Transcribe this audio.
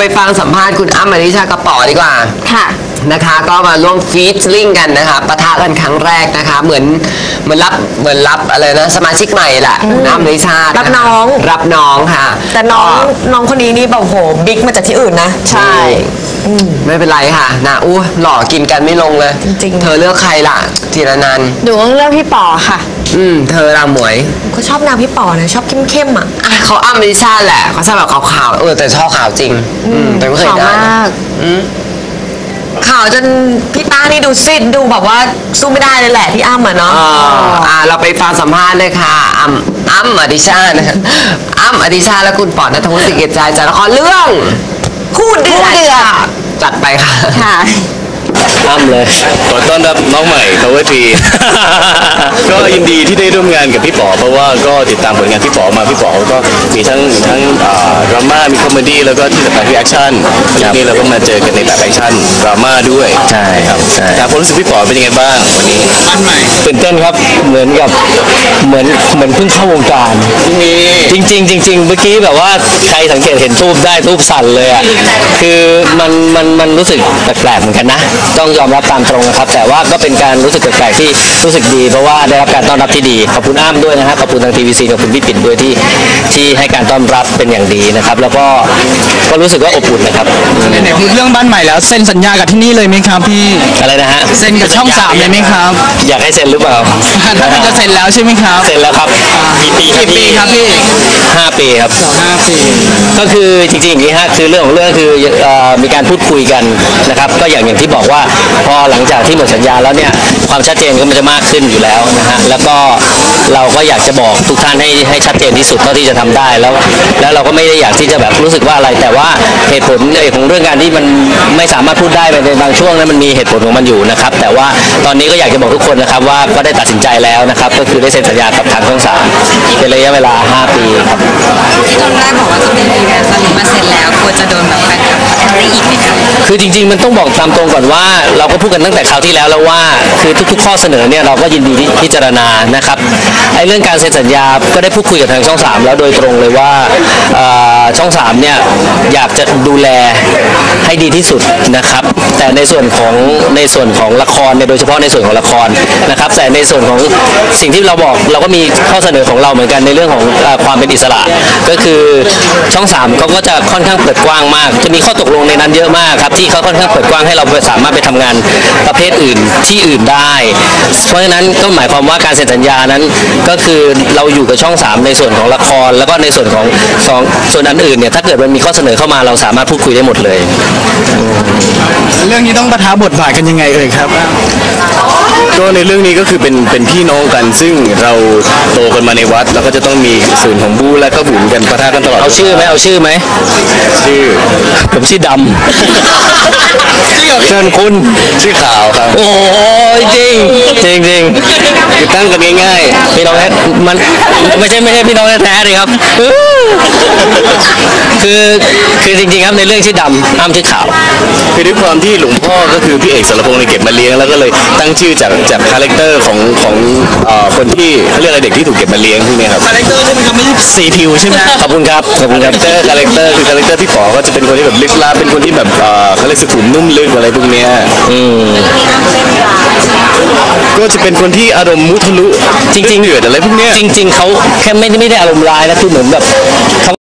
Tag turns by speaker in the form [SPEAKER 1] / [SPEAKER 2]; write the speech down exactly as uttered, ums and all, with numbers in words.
[SPEAKER 1] ไปฟังสัมภาษณ์คุณอ้ำอธิชาติกระป๋อดีกว่า
[SPEAKER 2] ค่ะ
[SPEAKER 1] นะคะก็มาร่วมฟีเจอริ่งกันนะคะปะทะกันครั้งแรกนะคะเหมือนเหมือนรับเหมือนรับอะไรนะสมาชิกใหม่แหละอ้ำอธิชาติ
[SPEAKER 2] รับน้อง
[SPEAKER 1] รับน้องค่ะ
[SPEAKER 2] แต่น้องน้องคนนี้นี่แบบโหบิ๊กมาจากที่อื่นนะ
[SPEAKER 1] ใช่ไม่เป็นไรค่ะนะอู้หล่อกินกันไม่ลงเลย
[SPEAKER 2] จริง
[SPEAKER 1] เธอเลือกใครล่ะธีรนันท์
[SPEAKER 2] ดูเลือกพี่ป๋อค่ะ
[SPEAKER 1] อืมเธอราหมวย
[SPEAKER 2] ก็ชอบนางพี่ป๋อนะชอบเข้มๆอ่ะ
[SPEAKER 1] เขาอ้ำอธิชาติแหละเขาชอบแบบขาวๆเออแต่ชอบขาวจริงอืมแต่ไม่เคยได้ข่าวจนพี่ป้านี่ดูซิดดูแบบว่าสู้ไม่ได้เลยแหละพี่อ้ำอ่ะเนาะอ่าเราไปฟังสัมภาษณ์เลยค่ะอ้ำอ้ำอธิชาติอ้ำอธิชาติและคุณป๋อณัฐวุฒิสิเกตใจจากละครเรื่องคู่เดือดจัดไปค่ะ
[SPEAKER 2] ค่ะ
[SPEAKER 3] อ้ำเลยขอต้อนรับน้องใหม่เขาเวทีก็ยินดีที่ได้ร่วมงานกับพี่ป๋อเพราะว่าก็ติดตามผลงานพี่ป๋อมาพี่ป๋อก็มีทั้งทั้งดราม่ามีคอมเมดี้แล้วก็ที่สำคัญคือแอคชั่นวันนี้เราก็มาเจอกันในแบบแอคชั่นดราม่าด้วยใช่ครับใช่ความรู้สึกพี่ป๋อเป็นยังไงบ้างวันนี้บ้านใหม่ตื่นเต้นครับเหมือนกับเหมือนเหมือนเพิ่งเข้าวงการจริงจริงจริงจริงเมื่อกี้แบบว่าใครสังเกตเห็นทูบได้ทูบสั่นเลยอ่ะคือมันมันมันรู้สึกแปลกๆเหมือนกันนะต้องยอมรับตามตรงนะครับแต่ว่าก็เป็นการรู้สึกแปลกๆที่รู้สึกดีเพราะว่าได้รับการต้อนรับที่ดีขอบคุณอ้ำด้วยนะฮะขอบคุณทางทีวีซีขอบคุณพี่ปิ่นด้วยที่ที่ให้การต้อนรับเป็นอย่างดีนะครับแล้วก็ก็รู้สึกว่าอบอุ่นนะครับ
[SPEAKER 4] ไหนๆพูดเรื่องบ้านใหม่แล้วเซ็นสัญญากับที่นี่เลยไหมครับพี่
[SPEAKER 3] อะไรนะฮะ
[SPEAKER 4] เซ็นกับช่องสามเลยไหมครับ
[SPEAKER 3] อยากให้เซ็นหรือเปล่า
[SPEAKER 4] ถ้ามันจะเซ็นแล้วใช่ไหมครับ
[SPEAKER 3] เซ็นแล้วครับ
[SPEAKER 4] กี่ปีกี่ปีครับพี่
[SPEAKER 3] ห้าปีครับ
[SPEAKER 4] ห้าปี
[SPEAKER 3] ก็คือจริงๆอย่างนี้ฮะคือเรื่องของเรื่องคือมีการพูดคุยกันนะครับก็อย่างอย่างที่บอกว่าพอหลังจากที่หมดสัญญาแล้วเนี่ยความชัดเจนก็มันจะมากขึ้นอยู่แล้วนะฮะแล้วก็เราก็อยากจะบอกทุกท่านให้ให้ชัดเจนที่สุดเท่าที่จะทำได้แล้วแล้วเราก็ไม่ได้อยากที่จะแบบรู้สึกว่าอะไรแต่ว่าเหตุผลของเรื่องการที่มันไม่สามารถพูดได้ในบางช่วงนั้นมันมีเหตุผลของมันอยู่นะครับแต่ว่าตอนนี้ก็อยากจะบอกทุกคนนะครับว่าก็ได้ตัดสินใจแล้วนะครับก็คือได้เซ็นสัญญากับทางช่องสามเป็นระยะเวลาห้าปีครับ
[SPEAKER 2] ที่ตอนแรกบอกว่าจะเป็นปีแล้วตอนนี้มาเซ็นแล้วควรจะโดนแบบแฟนคลับอะไรอีกไหมครับ
[SPEAKER 3] คือจริงๆมันต้องบอกตามตรงก่อนว่าเราก็พูดกันตั้งแต่คราวที่แล้วแล้วว่าคือทุกๆข้อเสนอเนี่ยเราก็ยินดีที่พิจารณานะครับไอ้เรื่องการเซ็นสัญญาก็ได้พูดคุยกับทางช่องสามแล้วโดยตรงเลยว่าช่องสามเนี่ยอยากจะดูแลให้ดีที่สุดนะครับแต่ในส่วนของในส่วนของละครเนี่ยโดยเฉพาะในส่วนของละครนะครับแต่ในส่วนของสิ่งที่เราบอกเราก็มีข้อเสนอของเราเหมือนกันในเรื่องของความเป็นอิสระก็คือช่องสามเขาก็จะค่อนข้างเปิดกว้างมากจะมีข้อตกลงในนั้นเยอะมากครับที่เขาค่อนข้างเปิดกว้างให้เราสามารถไปทำงานประเภทอื่นที่อื่นได้เพราะฉะนั้นก็หมายความว่าการเซ็นสัญญานั้นก็คือเราอยู่กับช่องสามในส่วนของละครแล้วก็ในส่วนของสองส่วนอันอื่นเนี่ยถ้าเกิดมันมีข้อเสนอเข้ามาเราสามารถพูดคุยได้หมดเลย
[SPEAKER 4] เรื่องนี้ต้องปะทะบทบาทกันยังไงเอ่ยครับ
[SPEAKER 3] ก็ในเรื่องนี้ก็คือเป็นเป็นพี่น้องกันซึ่งเราโตกันมาในวัดแล้วก็จะต้องมีส่วนของบู๊และก็บุญกันปะทะกันตลอดเอาชื่อไหมเอาชื่อไหมชื่อผมชื่อดำเชิญคุณชื่อขาวครับโอ้ยจริงจริงจริงคือตั้งกันง่ายๆพี่น้องแท้มันไม่ใช่ไม่ใช่พี่น้องแท้เลยครับคือคือจริงๆครับในเรื่องชื่อดำอ้ำชื่อขาวคือด้วยความที่หลวงพ่อก็คือพี่เอกสรพงษ์ในเก็บมาเลี้ยงแล้วก็เลยตั้งชื่อจากจากคาแรคเตอร์ของของคนที่เขาเรียกอะไรเด็กที่ถูกเก็บมาเลี้ยงพวกนี้ครับ
[SPEAKER 4] คาแรคเตอร์ใช่ไหมครับไม่ใช่สีผิวใช่ไหม
[SPEAKER 3] ขอบคุณครับขอบคุณครับคาแรคเตอร์คือคาแรคเตอร์พี่ป๋อก็จะเป็นคนที่แบบลึกลับเป็นคนที่แบบเขาเรียกสุขุมนุ่มลึกอะไรพวกนี้อืมก็จะเป็นคนที่อารมณ์มุทะลุจริงๆเดือดอะไรพวกนี้จริงๆเขาแค่ไม่ไม่ได้อารมณ์ร้ายนะคือเหมือนแบบ